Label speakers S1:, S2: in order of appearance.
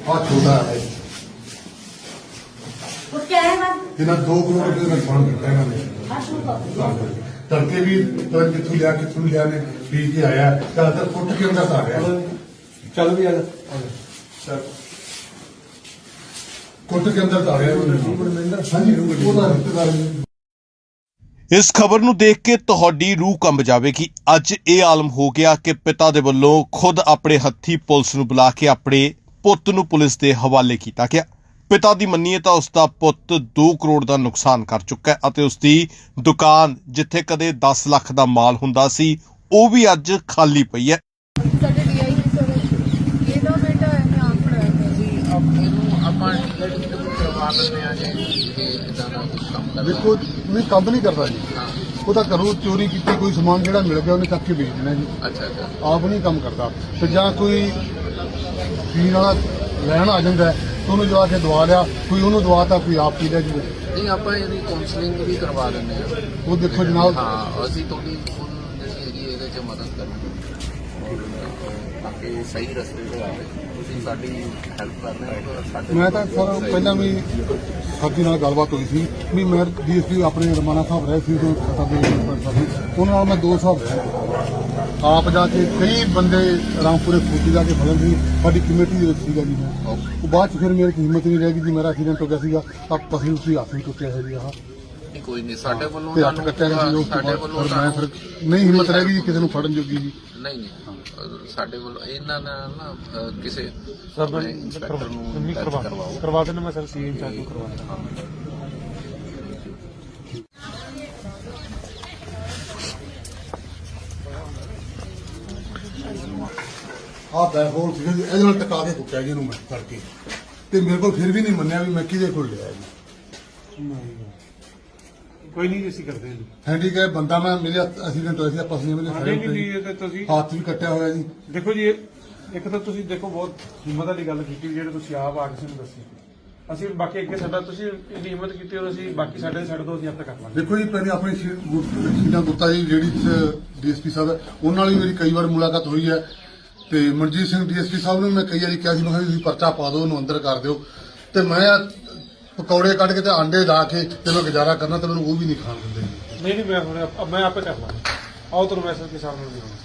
S1: हाँ छोटा है
S2: वो क्या है बात?
S1: इन्हें 2 करोड़ रुपए का नुकसान करता है इन्होंने तड़के भी पता कितों लिया ने पी के आया ज्यादातर फुट के अंदर आ गया
S3: चल भी आ
S1: कुट के अंदर आ गया हाँ जी वो रिश्तेदार
S4: ਇਸ ਖਬਰ ਨੂੰ ਦੇਖ ਕੇ ਤੁਹਾਡੀ ਰੂਹ ਕੰਬ ਜਾਵੇਗੀ। ਅੱਜ ਇਹ ਆਲਮ ਹੋ ਗਿਆ ਕਿ ਪਿਤਾ ਦੇ ਵੱਲੋਂ ਖੁਦ ਆਪਣੇ ਹੱਥੀ ਪੁਲਿਸ ਨੂੰ ਬੁਲਾ ਕੇ ਆਪਣੇ ਪੁੱਤ ਨੂੰ ਪੁਲਿਸ ਦੇ ਹਵਾਲੇ ਕੀਤਾ ਗਿਆ। ਪਿਤਾ ਦੀ ਮੰਨੀਏ ਤਾਂ ਉਸ ਦਾ ਪੁੱਤ 2 ਕਰੋੜ ਦਾ ਨੁਕਸਾਨ ਕਰ ਚੁੱਕਾ ਹੈ ਅਤੇ ਉਸ ਦੀ ਦੁਕਾਨ ਜਿੱਥੇ ਕਦੇ 10 ਲੱਖ ਦਾ ਮਾਲ ਹੁੰਦਾ ਸੀ ਉਹ ਵੀ ਅੱਜ ਖਾਲੀ ਪਈ ਹੈ।
S1: देखो नहीं कम नहीं करता जी वो तो घरों चोरी की कोई समान जो मिल गया उन्हें चक के बेच देना जी।
S5: अच्छा अच्छा
S1: आप नहीं कम करता तो ਜਾਂ कोई पीने वाला लैन आ जाता है तो उन्होंने जो आके दवा लिया कोई उन्होंने दवाता कोई आप पी लिया जी।
S5: नहीं आप काउंसलिंग भी करवा देंगे
S1: वो देखो जनाब
S5: हाँ असं थोड़ी ਜਿਹੜੀ ਇਹਦੇ 'ਚ ਮਦਦ ਕਰਾਂਗੇ ਤਾਂ ਕਿ ਸਹੀ ਰਸਤੇ ਤੇ ਆਵੇ ਤੁਸੀਂ ਸਾਡੀ ਹੈਲਪ ਕਰਨਾ ਸਾਡੇ
S1: मैं तो सर पहला भी ਸਾਡੀ ਨਾਲ ਗੱਲਬਾਤ ਹੋਈ ਸੀ ਵੀ ਮੈਂ ਡੀਐਸਪੀ ਆਪਣੇ ਰਮਾਨਾ ਸਾਹਿਬ ਰਹੇ ਸੀ ਤੋਂ ਖਤਾ ਦੇ ਉਹਨਾਂ ਨਾਲ ਮੈਂ 2 ਹਿਸਾਬ ਰਿਹਾ ਆਪ ਜਾ ਕੇ ਕਈ ਬੰਦੇ ਰਾਮਪੁਰੇ ਫੋਟੀ ਜਾ ਕੇ ਫੜਨ ਸੀ ਸਾਡੀ ਕਮੇਟੀ ਦੇ ਵਿੱਚ ਸੀਗਾ ਜੀ ਮੈਂ ਉਹ ਬਾਅਦ ਚ ਫਿਰ ਮੇਰੇ ਹਿੰਮਤ ਨਹੀਂ ਰਹਿ ਗਈ ਜੀ ਮੇਰਾ ਐਕਸੀਡੈਂਟ ਹੋ ਗਿਆ ਸੀਗਾ ਤਾਂ ਪਸੀ ਉਸੇ ਹੱਥ ਵੀ ਟੁੱਟਿਆ ਹੈ ਜੀ ਆਹ
S5: ਨਹੀਂ ਕੋਈ ਨਹੀਂ ਸਾਡੇ ਵੱਲੋਂ
S1: ਤੇ ਹੱਥ ਕੱਟਿਆ ਗਿਆ ਜੀ
S5: ਸਾਡੇ ਵੱਲੋਂ
S1: ਮੈਂ ਫਿਰ ਨਹੀਂ ਹਿੰਮਤ ਰਹਿ ਗਈ ਕਿਸੇ ਨੂੰ ਫੜਨ ਜੋਗੀ ਜੀ।
S5: ਨਹੀਂ ਨਹੀਂ ਸਾਡੇ ਵੱਲੋਂ ਇਹਨਾਂ ਨਾਲ ਨਾ ਕਿਸੇ ਇੰਸਪੈਕਟਰ ਨੂੰ
S3: ਕਰਵਾ ਦੇਣਾ ਮੈਂ ਸਰ ਸੀਐਮ ਚਾਰਜ ਨੂੰ ਕਰਵਾ ਦੇਣਾ।
S1: ਆਹ ਬੈਕਹੋਲ ਸੀਗਾ ਜੀ ਇਹਦੇ ਨਾਲ ਟਕਾ ਕੇ ਕੁੱਟਿਆ ਜੀ ਇਹਨੂੰ ਮੈਂ ਫੜ ਕੇ ਤੇ ਮੇਰੇ ਕੋਲ ਫਿਰ ਵੀ ਨਹੀਂ ਮੰਨਿਆ ਵੀ ਮੈਂ ਕਿਹਦੇ ਕੋਲ ਲਿਆ ਜੀ।
S3: ਕੋਈ ਨਹੀਂ ਅਸੀਂ ਕਰਦੇ ਹਾਂ ਜੀ।
S1: ਹੈਂਡੀਕੈਪ ਬੰਦਾ ਮੈਂ ਮੇਰੇ ਐਕਸੀਡੈਂਟ ਹੋਇਆ ਸੀ ਆਪਾਂ ਸੀ ਮੇਰੇ
S3: ਨਹੀਂ ਨਹੀਂ ਨਹੀਂ, ਇਹ ਤਾਂ ਤੁਸੀਂ
S1: ਹੱਥ ਵੀ ਕੱਟਿਆ ਹੋਇਆ ਜੀ।
S3: ਦੇਖੋ ਜੀ ਇੱਕ ਤਾਂ ਤੁਸੀਂ ਦੇਖੋ ਬਹੁਤ ਹਿੰਮਤ ਵਾਲੀ ਗੱਲ ਕੀਤੀ ਜਿਹੜੇ ਤੁਸੀਂ ਆਪ ਆ ਕਿਸੇ ਨੂੰ ਦੱਸੀ ਅਸੀਂ ਬਾਕੀ ਅੱਗੇ ਸਾਡਾ ਤੁਸੀਂ ਇੰਨੀ ਹਿੰਮਤ ਕੀਤੀ ਔਰ ਅਸੀਂ ਬਾਕੀ ਸਾਡੇ ਛੱਡ ਦੋ ਅਸੀਂ ਆਪ ਤੱਕ ਕਰ ਲਾਂਗੇ।
S1: ਦੇਖੋ ਜੀ ਪਹਿਲੇ ਆਪਣੀ ਸੀਨਾ ਗੁੱਤਾ ਜੀ ਜਿਹੜੀ ਡੀਐਸਪੀ ਸਾਹਿਬ ਹੈ ਉਹਨਾਂ ਨਾਲ ਵੀ ਮੇਰੀ ਕਈ ਵਾਰ ਮੁਲਾਕਾਤ ਹੋਈ ਹੈ ਤੇ ਮਨਜੀਤ ਸਿੰਘ ਡੀਐਸਪੀ ਸਾਹਿਬ ਨੂੰ ਮੈਂ ਕਈ ਵਾਰੀ ਕਿਹਾ ਸੀ ਮੈਂ ਕਿਹਾ ਤੁਸੀਂ ਪਰਚਾ ਪਾ ਦਿਓ ਉਹਨੂੰ ਅੰਦਰ ਕਰ ਦਿਓ ਤੇ ਮੈਂ ਪਕੌੜੇ ਕੱਢ ਕੇ ਤੇ ਆਂਡੇ ਲਾ ਕੇ ਤੇ ਮੈਂ ਗੁਜ਼ਾਰਾ ਕਰਨਾ ਤੇ ਮੈਨੂੰ ਉਹ ਵੀ ਨਹੀਂ ਖਾਣ ਦਿੰਦੇ।
S3: ਨਹੀਂ ਨਹੀਂ ਮੈਂ ਆਪੇ ਕਰ ਲਾਂਗਾ। ਆਓ ਤੁਹਾਨੂੰ ਮੈਸੇਜ ਕੇ ਸਾਹਮਣੇ